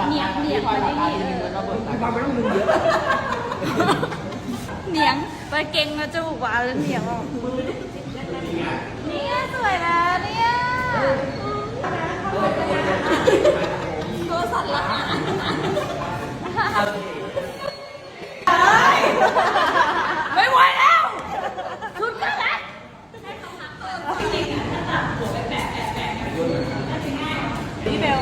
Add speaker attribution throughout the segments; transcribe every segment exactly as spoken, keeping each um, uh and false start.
Speaker 1: เหนียงเหนียงมันไอ้นี่เออ
Speaker 2: เราไม่ต้องดึงเยอะ
Speaker 1: เหนียงไปเก่งมาจมูกหวานแล้วเหนียงออกเนี่ยสวยแล้วเนี่ยตัวสั่นละไม่ไหวแล้วชุดกันแล้วพี่เบล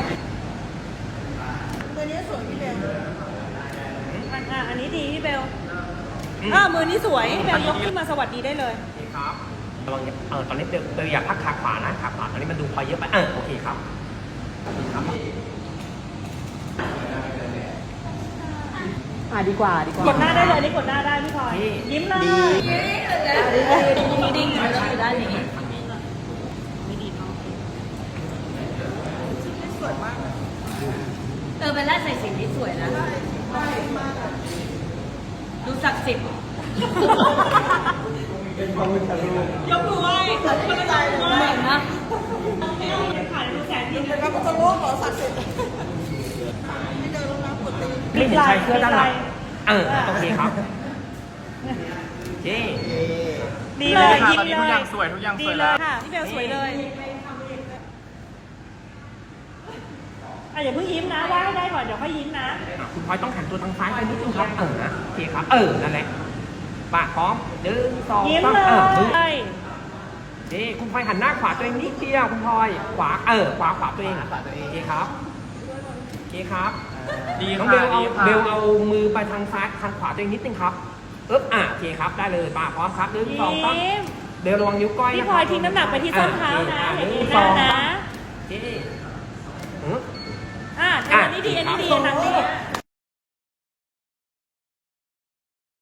Speaker 1: ตัวนี้สวยพี่เบลอ่ะอันนี้ดีพี่เบลอ่ามือนี้สวยพี่เบลยกขึ้นมาสวัสดีได้เลย
Speaker 2: ครับระวังเออตอนนี้เบลเบลอยากพักขาขวานะขาขวาตอนนี้มันดูพอเยอะไปเออโอเคครับครับอ่าดีกว่าดีกว่าก
Speaker 1: ดหน้าได้เลยนี่กดหน้าได้พี่พลอยยิ้มเลยดีดีดีต้องอยู่ด้านนี้ไม่ดีเนาะสวยมากเออเป็นแรกใส่สีนี้สวยนะดูศักดิ์สิทธิ์
Speaker 2: เป็นความเป็นทะลุ
Speaker 1: ยกมือไหว้เหมือนนะถ่ายดูแสนดีเลยก็จะโลกเหรอศักดิ์สิทธิ์ไม่เดินลงน้ำกดตี
Speaker 2: ไม่เห็นชายเสื้อด้านหลังเออโอเคครับเย้
Speaker 1: ดีเลยยิ้มเลย
Speaker 3: ทุกอย่างสวยทุกอย่างสวยแล้ว
Speaker 1: ค่ะพี่เบลสวยเลยอ่ะอย่าเพิ่งยิ้มนะว่าให้ได้ก่อนเดี๋ยวค่อยยิ้มนะ
Speaker 2: คุณพลอยต้องหันตัวทางซ้ายไปนิดนึงครับเออนะโอเคครับเออนั่นแหละปากพร้อมหนึ่งสอง
Speaker 1: ยิ้ม
Speaker 2: สาม
Speaker 1: เล
Speaker 2: เออย นี่คุณพลอยหันหน้าขวาตัวเองนิดเดียวคุณพลอยขวาเออขวาขวาตัวเองขวาตัวเองโอเคครับโอเคครับ
Speaker 3: ดี
Speaker 2: น้อง
Speaker 3: ค่ะ
Speaker 2: เบลเอา
Speaker 3: ดีค่ะ
Speaker 2: เบลเอามือไปทางซ้ายทางขวาตัวเองนิดนึงครับเอ๊บอ่ะโอเคครับได้เลยปากพร้อมครับหนึ่งสองสาม
Speaker 1: ยิ้ม
Speaker 2: เบลระวังนิ้วก้อยนะ
Speaker 1: พี่พลอยทิ้งน้ำหนักไปที่ส้นเท้านะ
Speaker 2: ห
Speaker 1: อย่า
Speaker 2: นึ่
Speaker 1: ง
Speaker 2: ง
Speaker 1: นี้
Speaker 2: สอง
Speaker 1: นะ
Speaker 2: สามโอเค
Speaker 1: อ่ะอันนี้ดีอันนี้ดีอันนี้ดี